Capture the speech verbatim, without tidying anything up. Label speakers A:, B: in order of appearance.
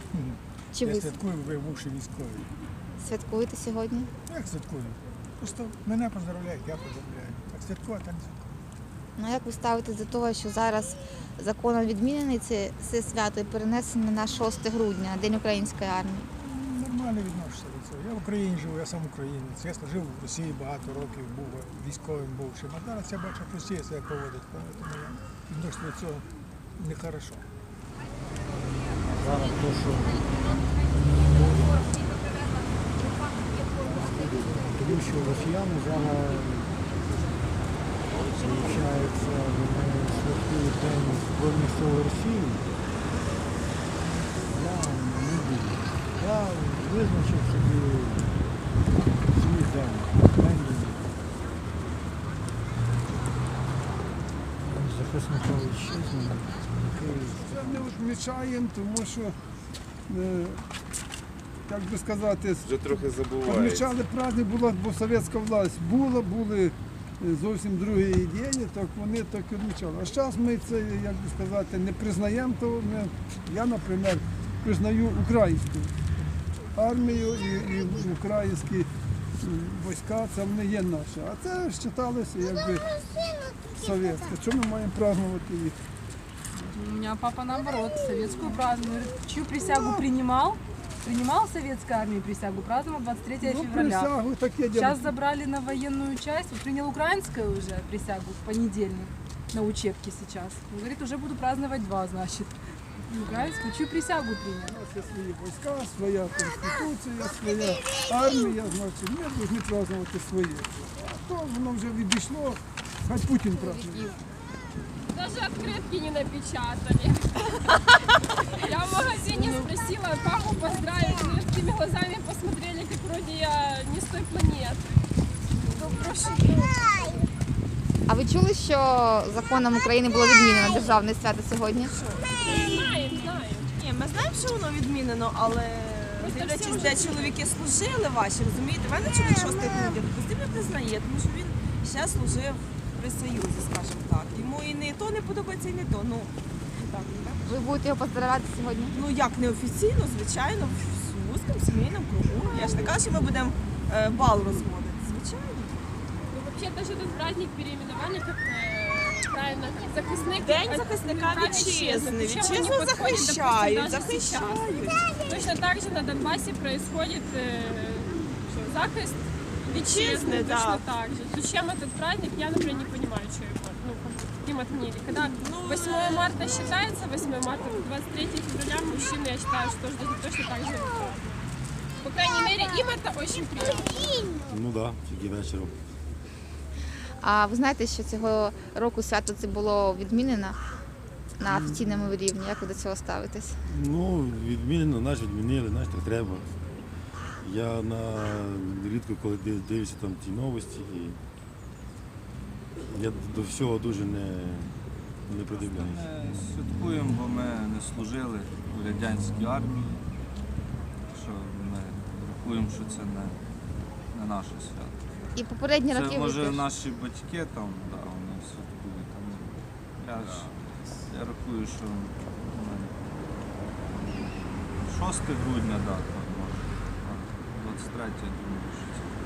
A: Чи
B: Я
A: ви
B: святкую, ви бувши військовий.
A: святкуєте сьогодні?
B: Як святкую? Просто мене поздравляють, я поздравляю. Так святкувати, а не святкувати.
A: Ну як ви ставитесь до того, що зараз законом відмінений це, це свято і перенесено на шосте грудня, День української армії?
B: Нормально відношуся до цього. Я в Україні живу, я сам українець. Я служив в Росії багато років, був військовим бувшим. А зараз я бачу, як Росія себе поводить. Тому я відношуся до цього нехорошо.
C: Зараз то, що тому що росіяни зараз, виходить, вони святкують День Збройних сил Росії. Я не буду. Я визначив собі свій день. День захисника вітчизни, який
D: Це не відмічаємо, тому що, е, як би сказати,
E: Вже трохи забувається.
D: відмічали праздник, була, бо совєтська власть була, були зовсім другі ідеї, так вони так і відмічали. А зараз ми це, як би сказати, не признаємо, то ми, я, наприклад, признаю українську армію і, і українські війська, це вони є наші. А це вважалося якби совєтське. Чому ми маємо празднувати їх?
F: У меня папа наоборот, советскую празднует. Чью присягу принимал? Принимал советской армии присягу, праздновал двадцать третьего
D: Ну,
F: февраля.
D: присягу, таке діло.
F: Сейчас забрали на военную часть. Вот принял украинскую уже присягу в понедельник на учебке сейчас. Он говорит, уже буду праздновать два, значит. Украинскую, чью присягу принял?
D: У нас є свої війська, своя конституція, своя армія, значить, ми повинні празднувати своє. А то воно вже відійшло, хай Путін празднує.
G: Даже открытки не напечатали. Я в магазине спросила папу поздравить, но такими глазами посмотрели, как вроде я не с той планеты. Ну, прошу.
A: А ви чули, що законом України було відмінено державне свято сьогодні?
G: Знаем, знаем.
H: Ні, ми знаємо, що воно відмінено, але дивлячись, де чоловіки служили ваші, розумієте, в мене чоловік шостий грудня, допустим, не признає, тому що він ще служив при Союзі, скажімо так. Йому і не то не подобається, і не то. Ну, так, так.
A: Ви будете його поздравляти сьогодні?
H: Ну як неофіційно, звичайно, в вузькому сімейному кругу. Я ж не кажу, що ми будемо е, бал розводити, звичайно.
G: Ну, вообще даже этот праздник переименовали как э, правильно захисник.
H: День
G: от-
H: захисника
G: прав
H: вітчизни.
G: Причем
H: Вітчизну
G: они подходят, допустим,
H: захищають,
G: даже
H: захищають.
G: сейчас. Точно так же на Донбассе происходит э, что, захист
H: Вітчизни,
G: вітчизни, точно
H: да.
G: так же. Зачем этот праздник, я, например, не понимаю, что его, ну, им отменили. Когда восьмое марта считается, восьмое марта, двадцать третьего февраля мужчины, я считаю, что тоже точно так же. По крайней мере, им это очень приятно.
E: Ну так, да, тільки вечором.
A: А ви знаєте, що цього року свято це було відмінено на офіційному рівні? Як ви до цього ставитесь?
E: Ну, відмінено, наш відмінили, наш так треба. Я на рідко коли див- дивлюся там ті новості, і я до всього дуже не, не придивляюся.
I: Ми святкуємо, бо ми не служили у радянській армії. Що ми рахуємо, що це не, не наше свято.
A: І попередні роки
I: Це
A: ви
I: може
A: теж.
I: наші батьки там, да, вони святкують. Там. Я ж я рахую, що ми шосте грудня, да, там, може. А двадцять третє, я думаю, що це.